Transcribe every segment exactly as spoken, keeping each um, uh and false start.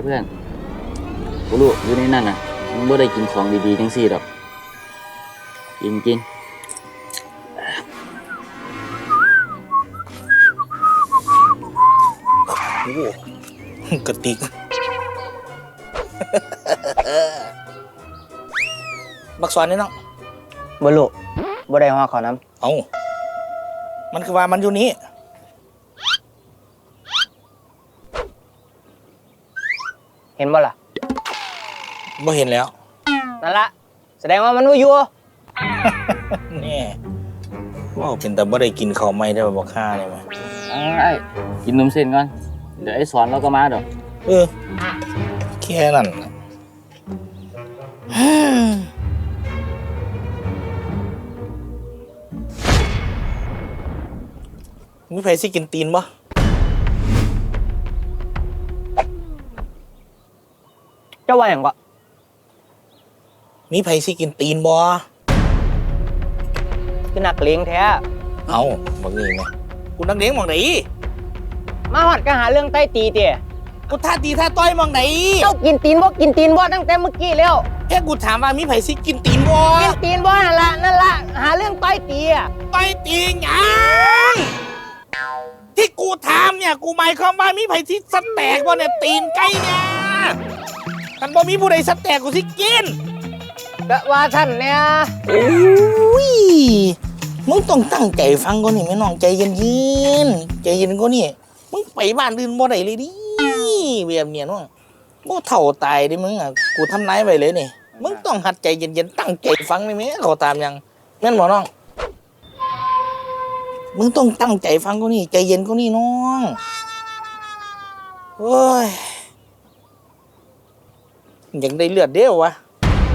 เพื่อนกูรู้อยู่ในนั่นน่ะมึงบ่ได้กินของดีๆจังซี่ดอกกินกินโอ้กระติกบักสอนนี่น้องบ่รู้บ่ได้ฮอดขอน้ำเอ้ามันคือว่ามันอยู่นี้เห็นบ่ล่ะบ่เห็นแล้วนั่นละแสดงว่ามันบ่อยู่นี่ว่าเป็นแต่บ่ได้กินข้าวใหม่ได้บ่บักห่านี่มั้ยไอ้กินนมเส้นก่อนเดี๋ยวไอ้สอนเราก็มาดอกเออแค่นั้นมีไผสิกินตีนบ่เจ้าว่าหยังก็มีไผสิกินตีนบ่คือนักเลงแท้เอ้าบักนี่แม่กูนักเลงหม่องไหนมาฮอดก็หาเรื่องใต้ตีติกูท่าตีท่าต้อยหม่องไหนเจ้ากินตีนบ่กินตีนบ่ตั้งแต่เมื่อกี้แล้วแค่กูถามว่ามีไผสิกินตีนบ่กินตีนบ่นั่นล่ะนั่นล่ะหาเรื่องใต้ตีอ่ะใต้ตีหยังที่กูถามเนี่ยกูหมายความว่ามีไผสิสแต็กบ่เนี่ยตีนไก่เนี่ยคันบ่มีผู้ใดสแต็กกูสิกินก็ว่าท่านเนี่ยโอ้ยมึงต้องตั้งใจฟังก่อนนี่แม่น้องใจเย็นๆใจเย็นก่อนนี่มึงไปบ้านอื่นบ่ได้เลยดิแบบเนี้ยน้องบ่เฒ่าตายดิมึงอ่ะกูทำนายไว้เลยนี่มึงต้องหัดใจเย็นๆตั้งใจฟังได้มั้ยเขาตามยังแม่นบ่น้องมึงต้องตั้งใจฟังก่อนนี่ใจเย็นก่อนนี่น้องโอ้ยอยากได้เลือดเด้อวะ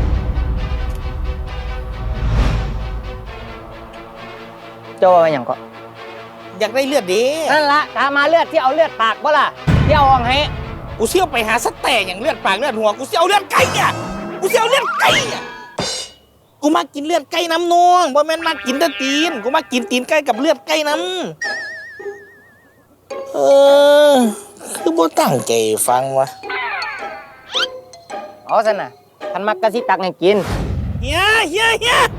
เจ้าว่าหยังก็อยากได้เลือดเด้นั่นล่ะถามมาเลือดที่เอาเลือดปากบ่ล่ะที่เอาออกให้กูเสี่ยวไปหาสแต็กอย่างเลือดปากเลือดหัวกูเสี่ยวเลือดไก่เนี่ยกูเสี่ยวเลือดไก่เนี่ยกูมากินเลือดไก่น้ำนองบ่แม่นมากินแต่ตีนกูมากินตีนไก่กับเลือดไก่น้ำเออคือบ่ตั้งใจฟังวะเอาซั่นน่ะคันมักกะสิตักให้กินเฮียเฮียเฮีย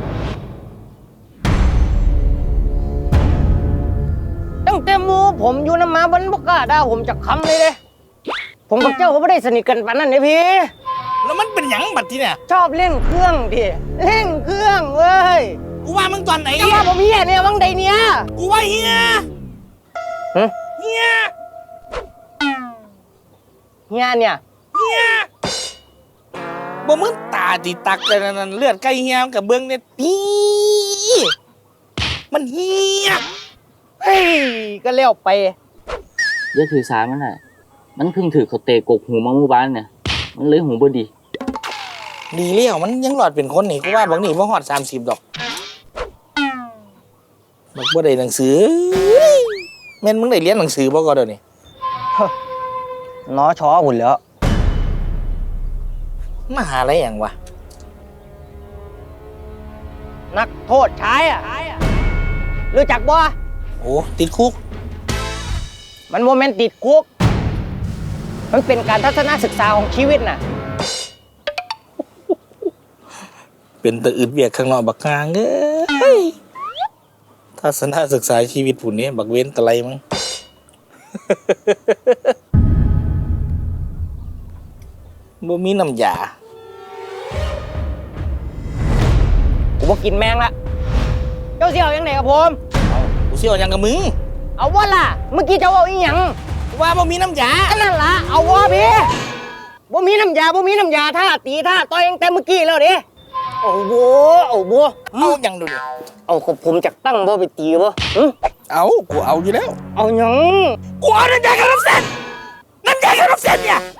ตั้งแต่หมู่ผมอยู่นำมาบ่บ่กล้าด่าผมจักคำเลยเด้ผมกับเจ้าก็บ่ได้สนิทกันปานนั้นเด้พี่แล้วมันเป็นหยังบัดทีเนี่ยชอบเล่นเครื่องดิเล่นเครื่องเว้ยกูว่ามึงตอนไหนก็ว่าผมเฮียเนี่ยวังใดเนี่ยกูว่าเฮียฮะเฮียเฮียเนี่ยเฮียบ่มึงตาติตักแต่นั่นเลือดไก่เฮียกับเบิ่งเนี่ยตีมันเฮียเฮ้ยก็แล้วไปอย่าถือสามันแหละมันเพิ่งถือเขาเตะกกหูมาเมื่อวานเนี่ยมันเลยหูบ่ดีดีเลี้ยวมันยังหลอดเป็นคนนี่กูว่าบางนี่บ่ฮอดสามสิบดอกบักบ่ได้หนังสือแม่นมึงได้เรียนหนังสือบ่ก็เดี๋ยวนี้น้อชอหุ่นแล้วมหาอะไรอย่างวะนักโทษชายอ่ะรู้จักบ่โอ้ติดคุกมันโมเมนต์ติดคุกมันเป็นการทัศนศึกษาของชีวิตน่ะเป็นตะอึดเวียกข้างนอกบักกลางเอ้ยทัศนศึกษาชีวิตผู้นี้บักเว้นตะไลมั้งบ่มีน้ำยากูบ่กินแมงละเจ้าเสี่ยวยังไงกับผมเอากูเสี่ยวยังกับมึงเอาว่าล่ะเมื่อกี้เจ้าเอาอีหยังว่าบ่มีน้ำยานั่นล่ะเอาว่าพี่บ่มีน้ำยาบ่มีน้ำยาท่าตีท่าต่อยแต่เมื่อกี้แล้วดิเอาบัวเอาบัวเอาอย่างดูดิเอากับผมจักตั้งบ่ไปตีบ่เอากูเอาอยู่แล้วเอาหยังกูเอาน้ำยากับน้ำเส้นน้ำยากับน้ำเส้นเนี่ย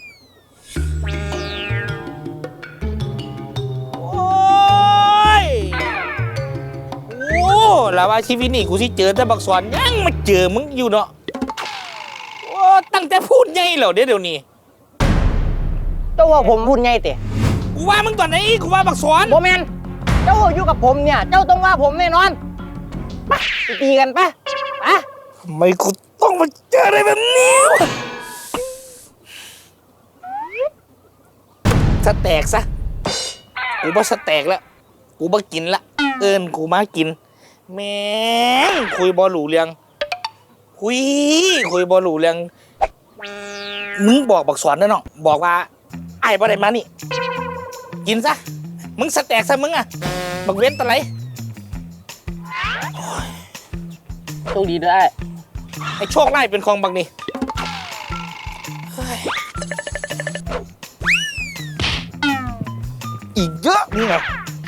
โอ้ยโอ้แล้วว่าชีวิตนี่กูสิเจอแต่บักสอนยังมาเจอมึงอยู่เนาะโอ้ตั้งแต่พูดไงเหรอเดี๋ยวเดี๋ยวนี้เจ้าว่าผมพูดไงเตะกูว่ามึงตอนไหนกูว่าบักสอนโมเมนเจ้าอยู่กับผมเนี่ยเจ้าต้องว่าผมแน่นอนไปตีกันปะปะทำไมกูต้องมาเจออะไรแบบนี้สแต็กซะกูบ่สแต็กแล้วกูบ่กินละเอิ้นกูมากินแม่งคุยบ่รู้เรื่องคุยคุยบ่รู้เรื่องมึงบอกบักสอนเด้อน้องบอกว่าไอ้บ่ได้มานี่กินซะมึงสแต็กซะมึงอ่ะบักเว้นตะไหลโชคดีด้วยไอ้โชคไล่เป็นของบักนี่เฮ้ยอีกเยอะนี่ไง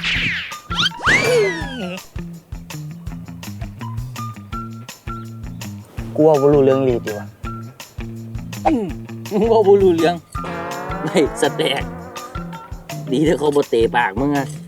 กูว่าบ่รู้เรื่องลีดีวะมึงบ่บ่รู้เรื่องไม่สแต็กดีถ้าเขาบ่เตะปากมึงอะ